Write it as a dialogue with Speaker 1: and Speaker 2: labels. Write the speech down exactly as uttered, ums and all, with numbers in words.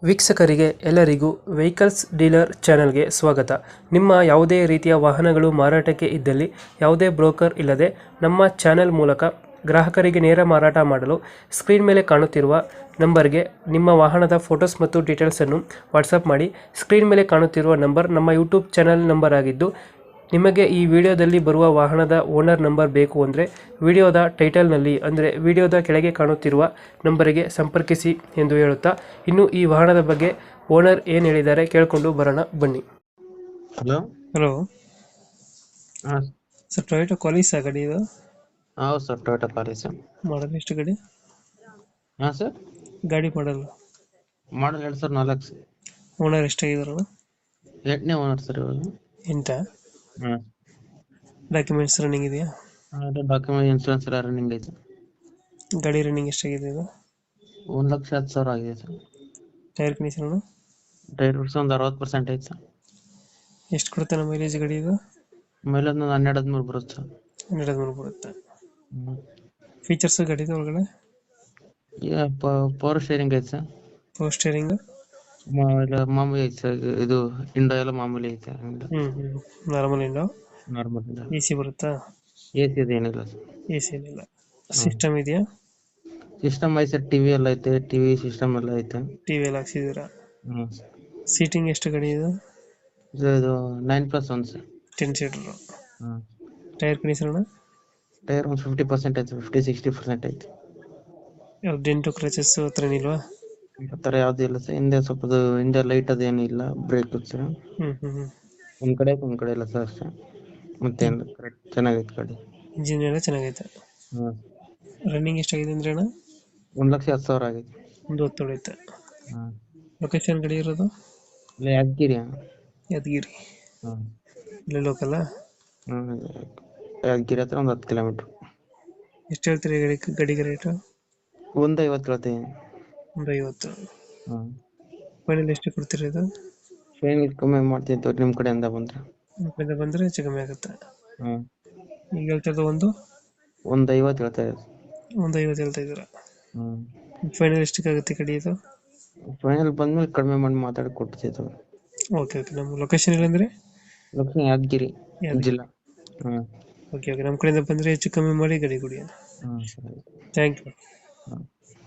Speaker 1: ವೀಕ್ಷಕರಿಗೆ ಎಲ್ಲರಿಗೂ vehicles dealer ಚಾನೆಲ್ಗೆ ಸ್ವಾಗತ. ನಿಮ್ಮ ಯಾವುದೇ ರೀತಿಯ ವಾಹನಗಳು ಮಾರಾಟಕ್ಕೆ ಇದ್ದಲ್ಲಿ ಯಾವುದೇ ಬ್ರೋಕರ್ ಇಲ್ಲದೆ ನಮ್ಮ ಚಾನೆಲ್ ಮೂಲಕ ಗ್ರಾಹಕರಿಗೆ ನೇರ ಮಾರಾಟ ಮಾಡಲು ಸ್ಕ್ರೀನ್ ಮೇಲೆ ಕಾಣುತ್ತಿರುವ ನಂಬರ್ಗೆ ನಿಮ್ಮ ವಾಹನದ ಫೋಟೋಸ್ ಮತ್ತು ಡೀಟೇಲ್ಸನ್ನು ವಾಟ್ಸಪ್ ಮಾಡಿ. ಸ್ಕ್ರೀನ್ ಮೇಲೆ ಕಾಣುತ್ತಿರುವ ನಂಬರ್ ನಮ್ಮ ಯೂಟ್ಯೂಬ್ ಚಾನೆಲ್ ನಂಬರ್ ಆಗಿದ್ದು, ನಿಮಗೆ ಈ ವಿಡಿಯೋದಲ್ಲಿ ಬರುವ ವಾಹನದ ಓನರ್ ನಂಬರ್ ಬೇಕು ಅಂದರೆ ವಿಡಿಯೋದ ಟೈಟಲ್ನಲ್ಲಿ ಅಂದರೆ ವಿಡಿಯೋದ ಕೆಳಗೆ ಕಾಣುತ್ತಿರುವ ನಂಬರಿಗೆ ಸಂಪರ್ಕಿಸಿ ಎಂದು ಹೇಳುತ್ತಾ, ಇನ್ನು ಈ ವಾಹನದ ಬಗ್ಗೆ ಓನರ್ ಏನು ಹೇಳಿದ್ದಾರೆ ಕೇಳಿಕೊಂಡು ಬರೋಣ ಬನ್ನಿ.
Speaker 2: ಹಲೋ
Speaker 1: ಹಲೋ
Speaker 2: ಹಾಂ
Speaker 1: ಸರ್, ಟೊಯೋಟಾ ಕ್ವಾಲಿಸ್ ಆ ಗಾಡಿ ಇದು?
Speaker 2: ಹೌದು ಸರ್, ಟೊಯೋಟಾ ಪಾಲಿಸ್.
Speaker 1: ಮಾಡಲ್ ಎಷ್ಟು ಗಾಡಿ?
Speaker 2: ಹಾಂ ಸರ್,
Speaker 1: ಗಾಡಿ ಮಾಡಲ್
Speaker 2: ಮಾಡಲ್ ಎರಡು ಸಾವಿರ ನಾಲ್ಕು ಸರ್.
Speaker 1: ಓನರ್ ಎಷ್ಟಾಗಿದಾರಣ?
Speaker 2: ಎಂಟನೇ ಓನರ್ ಸರ್ ಇವಾಗ.
Speaker 1: ಎಂಟ
Speaker 2: ಹಾಂ
Speaker 1: ಡಾಕ್ಯುಮೆಂಟ್ಸ್ ರನ್ನಿಂಗ್ ಇದೆಯಾ?
Speaker 2: ಅದು ಡಾಕ್ಯುಮೆಂಟ್ ಇನ್ಶೂರೆನ್ಸ್ ಎಲ್ಲ ರನ್ನಿಂಗ್ ಐತೆ.
Speaker 1: ಗಾಡಿ ರನ್ನಿಂಗ್ ಎಷ್ಟಾಗಿದೆ ಇದು?
Speaker 2: ಒಂದು ಲಕ್ಷ ಹತ್ತು ಸಾವಿರ ಆಗಿದೆ ಸರ್.
Speaker 1: ಟೈರ್ ಕಂಡೀಷನ್
Speaker 2: ಟೈರ್ ಬಿಡ್ಸಿ ಒಂದು ಅರವತ್ತು ಪರ್ಸೆಂಟ್ ಐತೆ ಸರ್.
Speaker 1: ಎಷ್ಟು ಕೊಡುತ್ತೆ ನಮ್ಮ ಮೈಲೇಜ್ ಗಾಡಿ ಇದು?
Speaker 2: ಮೇಲೆ ಒಂದು ಹನ್ನೆರಡು ಹದಿಮೂರು ಬರುತ್ತೆ ಸರ್.
Speaker 1: ಹನ್ನೆರಡು ಹದಿಮೂರು ಬರುತ್ತೆ.
Speaker 2: ಹ್ಞೂ
Speaker 1: ಫೀಚರ್ಸ್ ಗಾಡಿದು ಒಳಗಡೆ?
Speaker 2: ಈಗ ಪವರ್ ಶೇರಿಂಗ್ ಐತೆ ಸರ್.
Speaker 1: ಪವರ್ ಸ್ಟೇರಿಂಗ್
Speaker 2: ಇಲ್ಲ ಮಾಮೂಲಿ ಐತೆ ಸರ್. ಇದು ಇಂಡೋ ಎಲ್ಲ ಮಾಮೂಲಿ ಐತೆ.
Speaker 1: ಹ್ಞೂ ಹ್ಞೂ ನಾರ್ಮಲ್ ಇಂಡೋ.
Speaker 2: ನಾರ್ಮಲ್ ಇಂಡೋ.
Speaker 1: ಎ ಸಿ ಬರುತ್ತಾ?
Speaker 2: ಎ ಸಿ ಅದು ಏನಿಲ್ಲ ಸರ್.
Speaker 1: ಎ ಸಿ ಏನಿಲ್ಲ. ಸಿಸ್ಟಮ್ ಇದೆಯಾ?
Speaker 2: ಸಿಸ್ಟಮ್ ಐತೆ ಸರ್. ಟಿ ವಿ ಎಲ್ಲ ಐತೆ. ಟಿ ವಿ ಸಿಸ್ಟಮ್ ಎಲ್ಲ ಐತೆ.
Speaker 1: ಟಿ ವಿ ಎಲ್ಲ ಹಾಕ್ಸಿದ್ದೀರಾ?
Speaker 2: ಹ್ಞೂ
Speaker 1: ಸೀಟಿಂಗ್ ಎಷ್ಟು ಗಾಡಿ ಇದು?
Speaker 2: ಇದು ಇದು nine plus one sir.
Speaker 1: Ten seater.
Speaker 2: ಹಾಂ
Speaker 1: ಟೈರ್ ಕಂಡೀಷನ್
Speaker 2: ಟೈರ್ ಒಂದು ಫಿಫ್ಟಿ ಪರ್ಸೆಂಟ್ ಐತೆ. ಫಿಫ್ಟಿ ಸಿಕ್ಸ್ಟಿ ಪರ್ಸೆಂಟ್ ಐತೆ.
Speaker 1: ಯಾವ್ದು ಡೆಂಟು ಕ್ರಚಸ್ ಹತ್ರ ಏನಿಲ್ವಾ?
Speaker 2: ಆ ಥರ ಯಾವುದೂ ಇಲ್ಲ ಸರ್. ಹಿಂದೆ ಸ್ವಲ್ಪ ಅದು ಹಿಂದೆ ಲೈಟ್ ಅದೇನು ಇಲ್ಲ. ಬ್ರೇಕ್ ಸರ್
Speaker 1: ಹ್ಞೂ ಹ್ಞೂ ಹ್ಞೂ
Speaker 2: ಒಂದು ಕಡೆ ಒಂದು ಕಡೆ ಇಲ್ಲ ಸರ್ ಅಷ್ಟೇ. ಮತ್ತೇನು ಕರೆಕ್ಟ್ ಚೆನ್ನಾಗೈತೆ ಗಾಡಿ.
Speaker 1: ಇಂಜಿನ್ ಎಲ್ಲ ಚೆನ್ನಾಗೈತೆ.
Speaker 2: ಹಾಂ
Speaker 1: ರನ್ನಿಂಗ್ ಎಷ್ಟಾಗಿದೆ ಅಂದ್ರೆ ಅಣ್ಣ?
Speaker 2: ಒಂದು ಲಕ್ಷ ಹತ್ತು ಸಾವಿರ ಆಗೈತೆ.
Speaker 1: ಒಂದು ಹೊತ್ತು ಹೊಡೈತೆ.
Speaker 2: ಹಾಂ
Speaker 1: ಲೊಕೇಶನ್ ಗಾಡಿ ಇರೋದು?
Speaker 2: ಇಲ್ಲ ಯಾದಗಿರಿ.
Speaker 1: ಯಾದಗಿರಿ.
Speaker 2: ಹಾಂ
Speaker 1: ಇಲ್ಲೇ ಲೋಕಲ್ಲ?
Speaker 2: ಹಾಂ ಯಾದಗಿರಿ ಹತ್ರ ಒಂದು ಹತ್ತು ಕಿಲೋಮೀಟ್ರ್.
Speaker 1: ಎಷ್ಟು ಹೇಳ್ತೀರಿ ಗಾಡಿ ಗಾಡಿಗೆ ರೇಟು?
Speaker 2: ಒಂದು ಐವತ್ತು ಹೇಳ್ತೀನಿ.
Speaker 1: ಒಂದು ಐವತ್ತು.
Speaker 2: ಹಾಂ
Speaker 1: ಫೈನಲ್ ಎಷ್ಟು ಕೊಡ್ತೀರಿ ಇದು?
Speaker 2: ಫೈನಲ್ ಕಮ್ಮಿ ಮಾಡ್ತೀನಿ ತೋರಿ ನಿಮ್ಮ ಕಡೆಯಿಂದ ಬಂದರೆ.
Speaker 1: ನಿಮ್ಮ ಕಡೆಯಿಂದ ಬಂದರೆ ಹೆಚ್ಚು ಕಮ್ಮಿ ಆಗುತ್ತೆ.
Speaker 2: ಹಾಂ
Speaker 1: ಈಗ ಹೇಳ್ತಿರೋದು ಒಂದು
Speaker 2: ಒಂದು ಐವತ್ತು ಹೇಳ್ತಾ ಇದೆ.
Speaker 1: ಒಂದು ಐವತ್ತು ಹೇಳ್ತಾ ಇದ್ದೀರಾ?
Speaker 2: ಹ್ಞೂ
Speaker 1: ಫೈನಲ್ ಎಷ್ಟಕ್ಕಾಗುತ್ತೆ ಗಾಡಿ ಇದು?
Speaker 2: ಫೈನಲ್ ಬಂದ್ಮೇಲೆ ಕಡಿಮೆ ಮಾಡಿ ಮಾತಾಡಿ ಕೊಡ್ತೀವಿ ತೋರಿ.
Speaker 1: Okay okay. ನಮ್ಮ ಲೊಕೇಶನ್ ಇಲ್ಲಂದ್ರೆ?
Speaker 2: ಲಕ್ಷ್ಮಿ ಯಾದಗಿರಿ ಜಿಲ್ಲಾ. ಹಾಂ
Speaker 1: ಓಕೆ ಓಕೆ. ನಮ್ಮ ಕಡೆಯಿಂದ ಬಂದರೆ ಹೆಚ್ಚು ಕಮ್ಮಿ ಮಾಡಿ ಗಾಡಿ ಕೊಡಿ.
Speaker 2: ಹಾಂ ಸರಿ.
Speaker 1: Thank you.
Speaker 2: ಹಾಂ